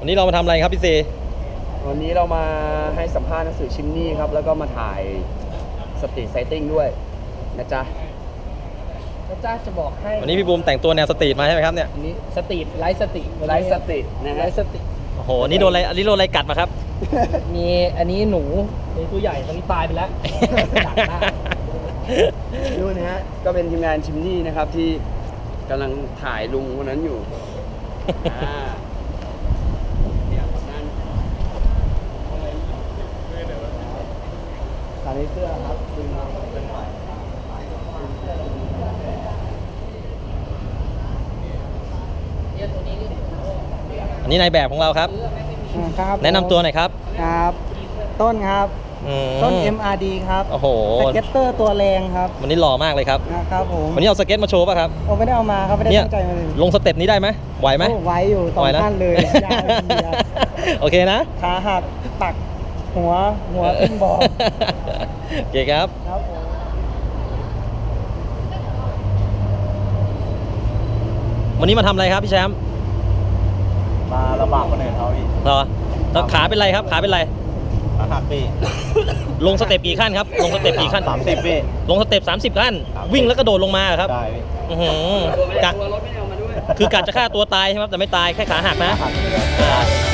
วันนี้เรามาทำอะไรครับพี่เซวันนี้เรามาให้สัมภาษณ์หนังสือชิมนี่ครับแล้วก็มาถ่ายสตรีทไซติ้งด้วยนะจ๊ะจะบอกให้วันนี้พี่บูมแต่งตัวแนวสตรีทมาใช่ไหมครับเนี่ยอันนี้สตรีทไลฟ์สตรีทนะฮะไลฟ์สตรีทโอ้โหนี่โดนอะไรกัดมาครับมีอันนี้หนูตัวใหญ่ตอนนี้ตายไปแล้วดักหน้าดูนะฮะก็เป็นทีมงานชิมนี่นะครับที่กำลังถ่ายลุงคนนั้นอยู่ตอนนี้เสื้อครับอันนี้นายแบบของเราครับครับแนะนำตัวหน่อยครับครับต้นครับต้น MRD ครับโอ้โหสเก็ตเตอร์ตัวแรงครับวันนี้หล่อมากเลยครับนะครับผมวันนี้เอาสเก็ตมาโชว์ป่ะครับผมไม่ได้เอามาครับไม่ได้ตั้งใจมาเลยลงสเต็ปนี้ได้ไหมไหวไหมไหวอยู่ตอนขั้นเลยยาวเลยโอเคนะขาหักตักหัวขึ้นบอลโอเคครับวันนี้มาทำอะไรครับพี่แชมป์มาลำบากคนอื่นเขาอีกเหรอขาเป็นไรครับขาเป็นไรขาหักปีลงสเต็ปกี่ขั้นครับลงสเต็ปกี่ขั้น 30ปีลงสเต็ป30ขั้นวิ่งแล้วกระโดดลงมาครับใช่กะคือกะจะฆ่าตัวตายใช่ไหมแต่ไม่ตายแค่ขาหักนะ